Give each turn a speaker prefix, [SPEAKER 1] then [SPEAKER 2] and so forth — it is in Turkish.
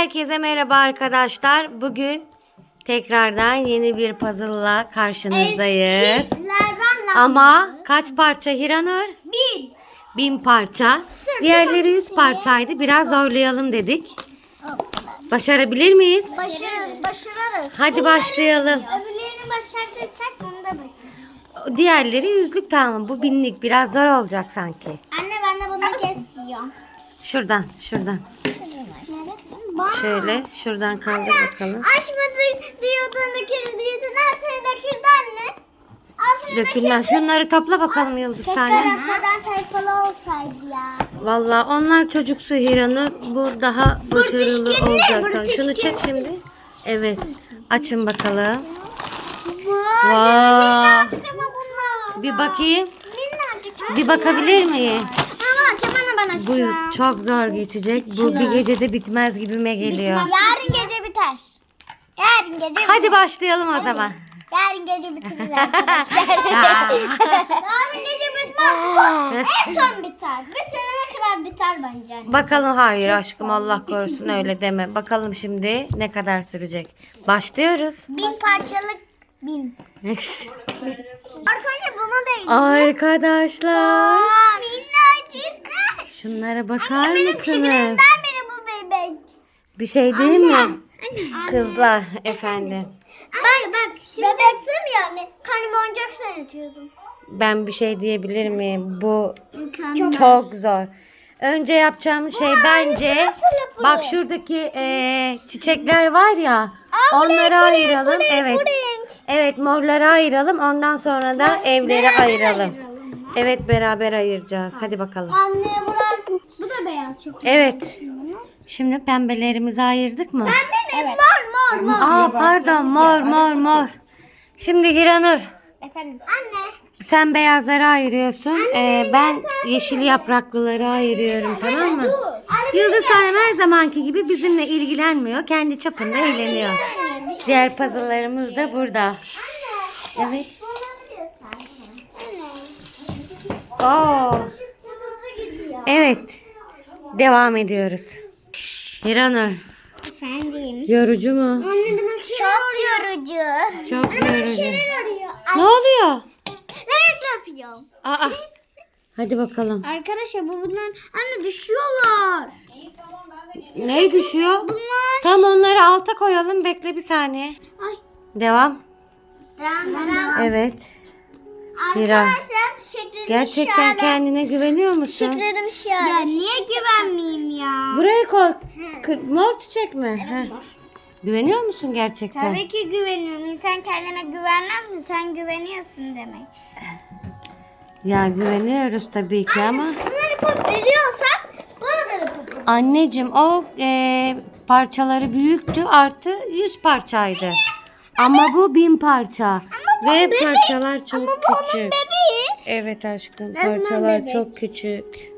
[SPEAKER 1] Herkese merhaba arkadaşlar. Bugün tekrardan yeni bir puzzle'la karşınızdayız. Ama kaç parça Hiranur? 1000 parça. Diğerleri 100 parçaydı. Biraz zorlayalım dedik. Başarabilir miyiz?
[SPEAKER 2] Başarırız.
[SPEAKER 1] Hadi başlayalım.
[SPEAKER 2] Öbürlerini başarırsak bunu da başarırız.
[SPEAKER 1] Diğerleri yüzlük, tamam. Bu 1000'lik biraz zor olacak sanki.
[SPEAKER 2] Anne ben de bunu kesiyorum.
[SPEAKER 1] Şuradan. Şöyle şuradan kaldır bakalım.
[SPEAKER 2] Açmadık diyordun döküldü. Her şey döküldü anne.
[SPEAKER 1] Dökülmez. Şunları topla bakalım Yıldız tane.
[SPEAKER 2] Keşke sayfalı olsaydı ya.
[SPEAKER 1] Vallahi onlar çocuksu Hiranur. Bu daha başarılı olacak. Şunu çek şimdi. Evet. Açın bakalım. Vay. Bir bakayım.
[SPEAKER 2] Minnacık.
[SPEAKER 1] Bir bakabilir miyim?
[SPEAKER 2] Tamam açacağım ben açacağım.
[SPEAKER 1] Bu çok zor geçecek. Bu bir gecede bitmez gibime geliyor.
[SPEAKER 2] Yarın gece biter. Yarın gece
[SPEAKER 1] Hadi başlayalım o zaman.
[SPEAKER 2] Yarın gece bitiririz arkadaşlar. Yarın gece bitmez. En son biter. Bir seneye kadar biter bence. Anne.
[SPEAKER 1] Bakalım, hayır aşkım, Allah korusun öyle deme. Bakalım şimdi ne kadar sürecek. Başlıyoruz.
[SPEAKER 2] 1000 parçalık 1000. Arkadaşlar buna değil.
[SPEAKER 1] Arkadaşlar.
[SPEAKER 2] Minnacık.
[SPEAKER 1] Şunlara bakar
[SPEAKER 2] Benim
[SPEAKER 1] mısınız?
[SPEAKER 2] küçüklerinden biri bu bebek.
[SPEAKER 1] Bir şey değil mi? Kızlar efendim.
[SPEAKER 2] Bak şimdi bebektim yani. Karnıma oyuncak sanatıyordum.
[SPEAKER 1] Ben bir şey diyebilir miyim? Bu
[SPEAKER 2] Mükemmel.
[SPEAKER 1] çok zor. Önce yapacağımız şey bence,
[SPEAKER 2] nasıl yapılır?
[SPEAKER 1] bak şuradaki çiçekler var ya, onları ayıralım. Evet. Evet, morları ayıralım. Ondan sonra da evleri ayıralım. Evet, beraber ayıracağız. Hadi bakalım.
[SPEAKER 2] Anne bu da beyaz çok.
[SPEAKER 1] Evet. Şimdi pembelerimizi ayırdık mı?
[SPEAKER 2] Pembe mi? Mor.
[SPEAKER 1] Aa pardon, mor. Şimdi Hiranur,
[SPEAKER 2] Efendim. Anne.
[SPEAKER 1] sen beyazları ayırıyorsun. Ben yeşil yapraklıları ayırıyorum, tamam mı? Yıldız Hanım her zamanki gibi bizimle ilgilenmiyor. Kendi çapında eğleniyor. Diğer puzzle'larımız da burada. Evet. Oo. Evet. Devam ediyoruz. Hiranur,
[SPEAKER 2] Efendim.
[SPEAKER 1] yorucu mu?
[SPEAKER 2] Anne benim çok yorucu.
[SPEAKER 1] Çok yorucu.
[SPEAKER 2] Arıyor.
[SPEAKER 1] Ne oluyor?
[SPEAKER 2] Evet yapıyorum.
[SPEAKER 1] Aa. Hadi bakalım.
[SPEAKER 2] Arkadaşlar bunlar anne düşüyorlar.
[SPEAKER 1] Ne düşüyor?
[SPEAKER 2] Bunlar.
[SPEAKER 1] Tam onları alta koyalım. Bekle bir saniye.
[SPEAKER 2] Ay.
[SPEAKER 1] Devam.
[SPEAKER 2] Devam.
[SPEAKER 1] Evet. Hira,
[SPEAKER 2] Arkadaşlar teşekkürlerim
[SPEAKER 1] gerçekten kendine güveniyor musun?
[SPEAKER 2] Teşekkürlerim şahane. Ya niye güvenmeyeyim ya?
[SPEAKER 1] Buraya koy. Mor çiçek mi? Heh. Güveniyor musun gerçekten?
[SPEAKER 2] Tabii ki güveniyorum. İnsan kendine güvenmez mi? Sen güveniyorsun demek.
[SPEAKER 1] Ya güveniyoruz tabii ki ama.
[SPEAKER 2] Bunları yapabiliyorsak bunu da yapabilirim.
[SPEAKER 1] Anneciğim o parçaları büyüktü, artı 100 parçaydı. Ama bu 1000 parça. Ve parçalar çok küçük.
[SPEAKER 2] Bebeği.
[SPEAKER 1] Evet aşkım,
[SPEAKER 2] Resmen
[SPEAKER 1] parçalar
[SPEAKER 2] bebek.
[SPEAKER 1] çok küçük.